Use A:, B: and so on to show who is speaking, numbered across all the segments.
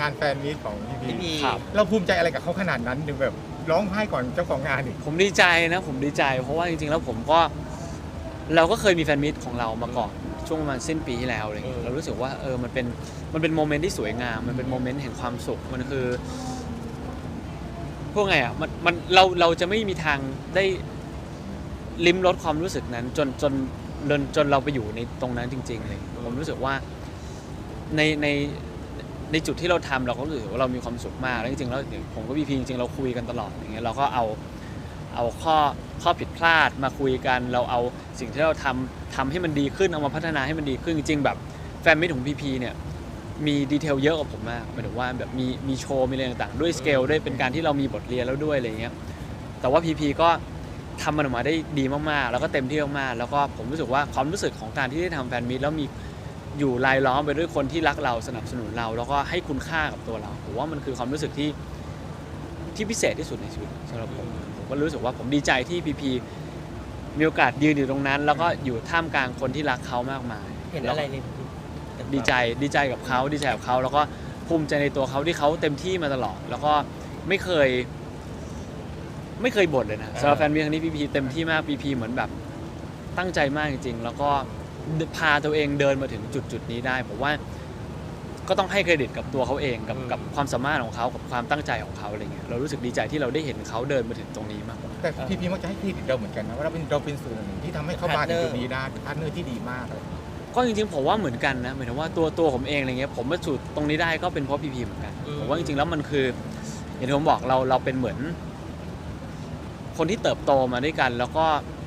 A: งานแฟนมีตของพี
B: พี่
A: พี
B: พี
C: ครับ
A: เราภูมิใจอะไรกับเขาขนาดนั้นถึงแบบร้องไห้ก่อนเจ้าของงานอีก
C: ผมดีใจนะผมดีใจเพราะว่าจริงๆแล้วเราก็เคยมีแฟนมิตของเรามาก่อนช่วงประมาณสิ้นปีที่แล้วอะไรอย่างเงี้ยเรารู้สึกว่ามันเป็นโมเมนต์ที่สวยงามมันเป็นโมเมนต์แห่งความสุขมันคือพวกไงอ่ะมันเราจะไม่มีทางได้ลิ้มรสความรู้สึกนั้นจนเราไปอยู่ในตรงนั้นจริงๆเลยผมรู้สึกว่าในจุดที่เราทำเราก็รู้สึกว่าเรามีความสุขมากแล้วจริงๆแล้วผมกับพี่พีจริงๆเราคุยกันตลอดอย่างเงี้ยเราก็เอาข้อผิดพลาดมาคุยกันเราเอาสิ่งที่เราทำให้มันดีขึ้นเอามาพัฒนาให้มันดีขึ้นจริงๆแบบแฟนมิตรของพีพีเนี่ยมีดีเทลเยอะกว่าผมมากหมายถึงว่าแบบมีโชว์มีอะไรต่างๆด้วยสเกลด้วยเป็นการที่เรามีบทเรียนแล้วด้วยอะไรเงี้ยแต่ว่าพีพีก็ทำมันออกมาได้ดีมากๆแล้วก็เต็มที่มากๆแล้วก็ผมรู้สึกว่าความรู้สึกของการที่ได้ทำแฟนมิตรแล้วมีอยู่รายล้อมไปด้วยคนที่รักเราสนับสนุนเราแล้วก็ให้คุณค่ากับตัวเราผมว่ามันคือความรู้สึกที่พิเศษที่สุดในชีวิตสำหรับผมก็รู้สึกว่าผมดีใจที่พีพีมีโอกาสยืนอยู่ตรงนั้นแล้วก็อยู่ท่ามกลางคนที่รักเขามากมาย
B: เห็นอะไรใน
C: ดีใจกับเขาแล้วก็ภูมิใจในตัวเขาที่เขาเต็มที่มาตลอดแล้วก็ไม่เคยบ่นเลยนะสำหรับแฟนมีครั้งนี้พีพีเต็มที่มากพีพีเหมือนแบบตั้งใจมากจริงๆแล้วก็พาตัวเองเดินมาถึงจุดนี้ได้ผมว่าก็ต้องให้เครดิตกับตัวเขาเองกับความสามารถของเขากับความตั้งใจของเขาอะไรเงี้ยเรารู้สึกดีใจที่เราได้เห็นเขาเดินมาถึงตรงนี้มากกว่า
A: แต่พีพีมักจะให้เครดิตเราเหมือนกันนะว่าเราเป็นส่วนหนึ่งที่ทำให้เขามาถึงจุดนี้ได้เป็นพาร์ทเนอร์ที่ดีมากเลย
C: ก็จริงๆผมว่าเหมือนกันนะหมายถึงว่าตัวผมเองอะไรเงี้ยผมมาสู่ตรงนี้ได้ก็เป็นเพราะพีพีเหมือนกันผมว่าจริงๆแล้วมันคืออย่างที่ผมบอกเราเป็นเหมือนคนที่เติบโตมาด้วยกันแล้วก็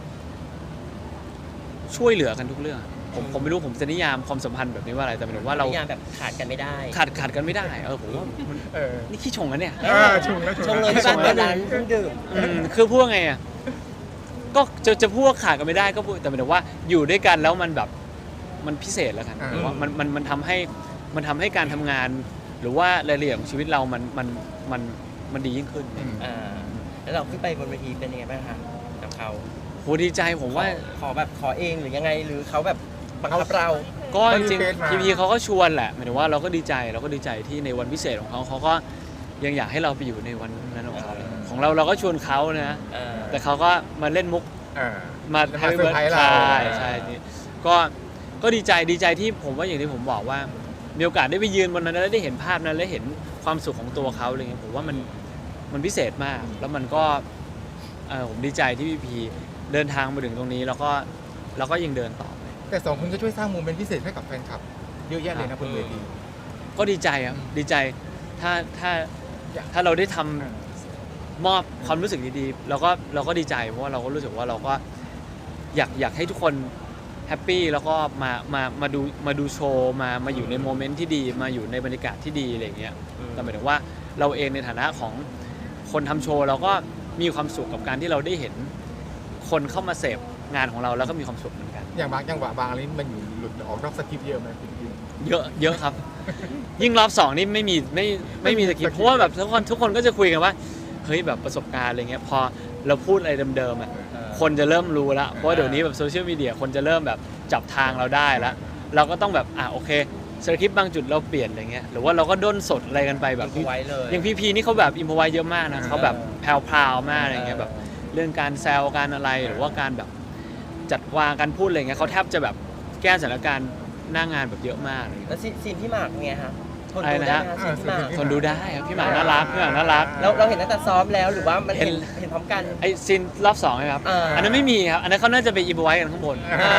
C: ช่วยเหลือกันทุกเรื่องผมไม่รู้ผมจะนิยามความสัมพันธ์แบบนี้ว่าอะไรแต่หมายถึงว่าเรา
B: นิยามแบบขาดกันไม่ได้
C: ขาดกันไม่ได้ผมว่ามัน
A: เออ
C: นี่ขี้ชงนะเนี่ย
A: ชงแล้ว
B: ชงเลยที่บ้านเปิดร้านเครื่องดื่ม
C: คือพูดไงอ่ะก็จะพูดว่าขาดกันไม่ได้ก็พูดแต่หมายถึงว่าอยู่ด้วยกันแล้วมันแบบมันพิเศษแล้วกันหรือว่ามันทำให้การทำงานหรือว่ารายละเอียดของชีวิตเรามันดียิ่งขึ้น
B: แล้วเราขึ้นไปบนเวทีเป็นยังไงบ้างคะกับเขา
C: โหดีใจผมว่า
B: ขอเองหรือยังไงหรือเขาแบบบังคับเรา
C: ก็จริงๆพีเขาก็ชวนแหละหมายถึงว่าเราก็ดีใจที่ในวันพิเศษของเขาก็ยังอยากให้เราไปอยู่ในวันนั้นของเขาของเราก็ชวนเขานะแต่เขาก็มาเล่นมุกมาแฮปปี้เบิร์ดใช่นี่ก็ดีใจที่ผมว่าอย่างที่ผมบอกว่ามีโอกาสได้ไปยืนบนนั้นแล้วได้เห็นภาพนั้นและเห็นความสุขของตัวเขาอะไรเงี้ยผมว่ามันพิเศษมากแล้วมันก็ผมดีใจที่พีเดินทางมาถึงตรงนี้แล้วก็ยังเดินต่อไป
A: แต่สองคนก็ช่วยสร้างโมเมนต์พิเศษให้กับแฟนคลับเยอะแยะเลยนะบนเวที
C: ก็ดีใจครับดีใจถ้าเราได้ทำมอบความรู้สึกดีๆเราก็ดีใจเพราะว่าเราก็รู้สึกว่าเราก็อยากให้ทุกคนแฮปปี้แล้วก็มาดูโชว์มาอยู่ในโมเมนต์ที่ดีมาอยู่ในบรรยากาศที่ดีอะไรอย่างเงี้ยแต่หมายถึงว่าเราเองในฐานะของคนทำโชว์เราก็มีความสุขกับการที่เราได้เห็นคนเข้ามาเสพงานของเราแล้วก็มีความสุขเหมือนกัน
A: อย่างบางจังหวะบางอะไรมันอยู่หลุดออกนอกสคริปต์เยอะไหมจริง
C: เยอะครับ ยิ่งรอบ2นี่ไม่มีสคริปต์เพราะว่าแบบทุกคนก็จะคุยกันว่าเฮ้ยแบบประสบการณ์อะไรเงี้ยพอเราพูดอะไรเดิมๆอ่ะคนจะเริ่มรู้แล้วเพราะว่าเดี๋ยวนี้แบบโซเชียลมีเดียคนจะเริ่มแบบจับทางเราได้แล้วเราก็ต้องแบบโอเคสคริปต์บางจุดเราเปลี่ยนอะไรเงี้ยหรือว่าเราก็ด้นสดอะไรกันไปแบบ
B: ไว้เลย
C: อย่างพีนี่เขาแบบอิมพอไว้เยอะมากนะเขาแบบแพรวๆมากอะไรเงี้ยแบบเรื่องการแซวการอะไรหรือว่าการแบบจัดวางการพูดอะไรเงี้ยเขาแทบจะแบบแก้สถานการณ์หน้างานแบบเยอะมาก
B: แล้วซีนพี่หมากไงฮะทนดูได้ไหมซีนพี่หมาก
C: ทนดูได้ครับพี่หมากน่ารัก
B: เราเห็นตั้งแต่ซ้อมแล้วหรือว่ามันเห็นพร้อมกัน
C: ไอซีนรอบ2ไหมครับอันนั้นไม่มีครับอันนั้นเขาน่าจะไปอิมพอไว้กันข้างบน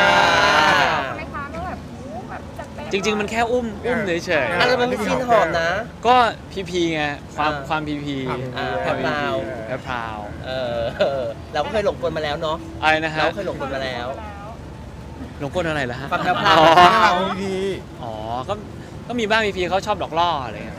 C: จริงๆมันแค่อุ้มเฉยๆ
B: อะไรมันเป็นซีนหอมนะ
C: ก็พีไงความพี
B: แพรวเราก็เคยหลงกลมาแล้วเนาะ
C: อะไรนะฮะ
B: เราเคยหลงกลมาแล้ว
C: หลงกลอะไรล่ะฮะ
B: ความแพรว
C: อ๋อก็มีบ้างพีเขาชอบดอกล่ออะไรเงี้ย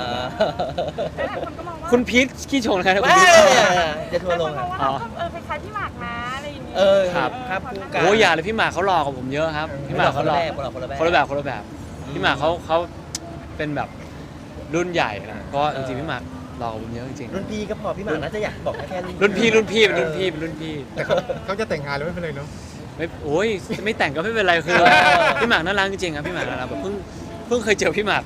C: คุณพีทขี้ชงนะครับคุณพีท
B: จะทัวร์ลง
D: คล้ายๆพี่หมากนะอะไรอย่างนี้
C: ครับโอ้ยอย่าเลยพี่หมากเขาหล่อกว่าผมเยอะครับพี่หมากเขาหล่อคนละแบบพี่หมากเขาเป็นแบบรุ่นใหญ่นะก็จริงๆพี่หมากหล่อกว่าผมเยอะจริง
B: รุ่นพี่ก็พอพี่หมากน่าจะอยากบอกแค่
C: รุ่นพี่เป็นรุ่นพี่
A: แต่เขาจะแต่งงานแล้วไม่เป็นไรเนาะ
C: ไม่โอ้ยไม่แต่งก็ไม่เป็นไรคือพี่หมากน่ารักจริงๆครับพี่หมากน่ารักแบบเพิ่งเคยเจอพี่หมากเ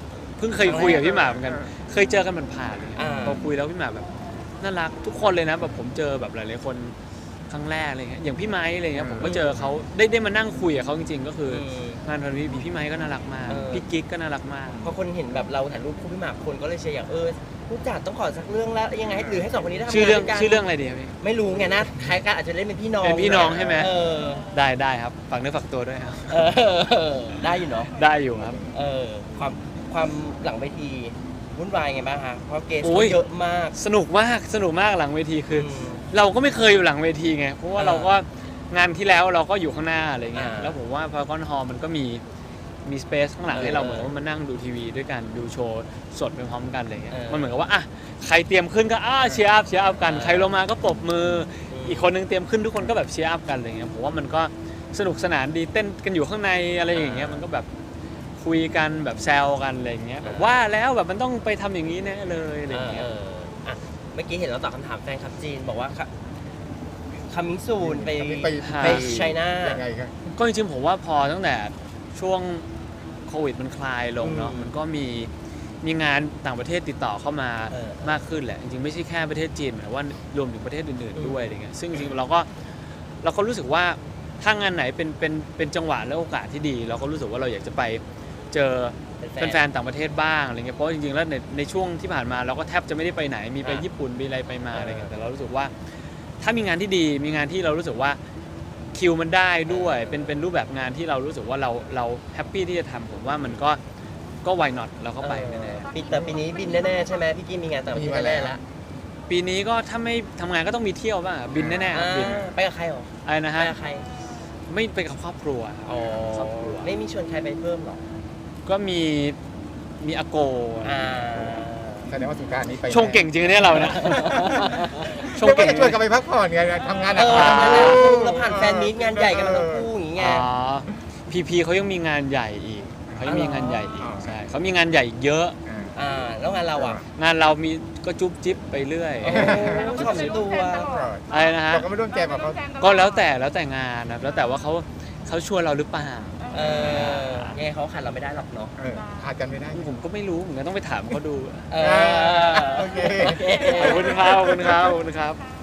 C: พิ่งเคยคุยกับพี่หมากเหมือนกันเคยเจอกันผ่านๆเลยพอคุยแล้วพี่หมากแบบน่ารักทุกคนเลยนะแบบผมเจอแบบหลายๆคนครั้งแรกอะไรเงี้ยอย่างพี่ไม้อะไรเงี้ยผมก็เจอเขาได้มานั่งคุยกับเขาจริงๆก็คืองานวันนี้พี่ไม้ก็น่ารักมากพี่กิ๊กก็น่ารักมาก
B: พอคนเห็นแบบเราถ่ายรูปคู่พี่หมากคนก็เลยเชียร์อย่างผู้จัดต้องขอสักเรื่องแล้วยังไงหรือให้สองคนนี้ได้ทำงาน
C: ชื่อเรื่อง
B: ด้วยกัน
C: ชื่อเรื่องอะไรดีครับพี่
B: ไม่รู้ไงนะคล้ายกันอาจจะเล่นเป็นพี่น้อง
C: เป็นพี่น้องใช่ไหม
B: เออ
C: ได้ครับฝากเนื้อฝากตัวด้วยครับ
B: เออได้อยู่เนาะ
C: ได้อยู่ครับ
B: ความหลังเวทีวุ่นวายไงบ้างฮะเพราะเกส
C: โอ้ย
B: เยอะมาก
C: สนุกมากหลังเวทีคืออ
B: ม
C: เราก็ไม่เคยอยู่หลังเวทีไงเพราะว่า
B: อ่า
C: เราก็งานที่แล้วเราก็อยู่ข้างหน้าอะไรเงี้ย
B: อ่า
C: แล้วผมว่าพารากอนฮอลมันก็มีสเปซข้างหลังให้เราเหมือนว่ามานั่งดูทีวีด้วยกันดูโชว์สดไปพร้อมกันอะไรเงี้ยมันเหมือนกับว่าอ่ะใครเตรียมขึ้นก็เชียร์อัพกันใครลงมาก็ปรบมืออีกคนนึงเตรียมขึ้นทุกคนก็แบบเชียร์อัพกันอะไรเงี้ยผมว่ามันก็สนุกสนานดีเต้นกันอยู่ข้างในอะไรอย่างเงี้ยมันก็แบบคุยกันแบบแซวกันอะไรเงี้ยแบบว่าแล้วแบบมันต้องไปทำอย่างนี้แน่เลยอะไรเงี้ย
B: อ่ะเมื่อกี้เห็นเราตอบคำถามแฟนคลับจีนบอกว่าคัมมิ่งซูนไป
C: ไป
B: ไชน่า
A: ยังไงครับ
C: ก็จริงๆผมว่าพอตั้งแต่ช่วงโควิดมันคลายลงเนาะ
B: อืม
C: มันก็มีงานต่างประเทศติดต่อเข้ามา
B: เออ
C: มากขึ้นแหละจริงๆไม่ใช่แค่ประเทศจีนหมายว่ารวมถึงประเทศอื่นๆด้วยอะไรเงี้ยซึ่งจริงๆเราก็รู้สึกว่าถ้างานไหนเป็นจังหวะและโอกาสที่ดี เราก็รู้สึกว่าเราอยากจะไปเจอแฟนๆต่างประเทศบ้างอะไรเงี้ยเพราะจริงๆแล้วในช่วงที่ผ่านมาเราก็แทบจะไม่ได้ไปไหนมีไปญี่ปุ่นมีอะไรไปมาอะไรเงี้ยแต่เรารู้สึกว่าถ้ามีงานที่ดีมีงานที่เรารู้สึกว่าคิวมันได้ด้วยเป็นรูปแบบงานที่เรารู้สึกว่าเราแฮปปี้ที่จะทำผมว่ามันก็ why not เราก็ไปแน่
B: แต่ปีนี้บินแน่ๆใช่ไหมพี่กี้มีงานต่างประเทศแน่ๆแล้ว
C: ๆปีนี้ก็ถ้าไม่ทำงานก็ต้องมีเที่ยวบ้างอะบินแน่ๆครับบิน
B: ไปกับใครหรอ
C: อะไรนะ
B: ไป
C: ฮะ
B: กับใคร
C: ไม่ไปกับครอบครัวครับครอบครัว
B: ไม่มีชวนใครไปเพิ่มหรอ
C: ก็มีอาโก
A: แสดงว่าสงกรานต์นี้ไป
C: ชงเก่งจริงเนี่ยเราเนี่ยชง
A: ก็
C: เก่ง
A: จะชวนกันไปพักผ่อนไงทำงานหนัก
B: เราผ่านแฟนมีตงานใหญ่กันมาทั้งคู่อย่างเงี้ย
C: อ๋อพีเขายังมีงานใหญ่อีกเขายังมีงานใหญ่อีกใช่เขามีงานใหญ่อีกเยอะ
B: แล้วงานเราอ่ะ
C: งานเรามีก็จุ๊บจิ๊บไปเรื่อย
B: ชอบตัว
C: อะไรนะฮะ
A: เราก็ไม่ร่วมแจมกับเขา
C: ก็แล้วแต่งานนะแล้วแต่ว่าเขาชวนเราหรือเปล่า
B: ยังไงเขาขาดเราไม่ได้หรอกเนาะ
A: ขาดกันไม่ได้
C: ผมก็ไม่รู้เหมือนกันต้องไปถามเขาดู
A: โอเค
C: ขอบคุณครับ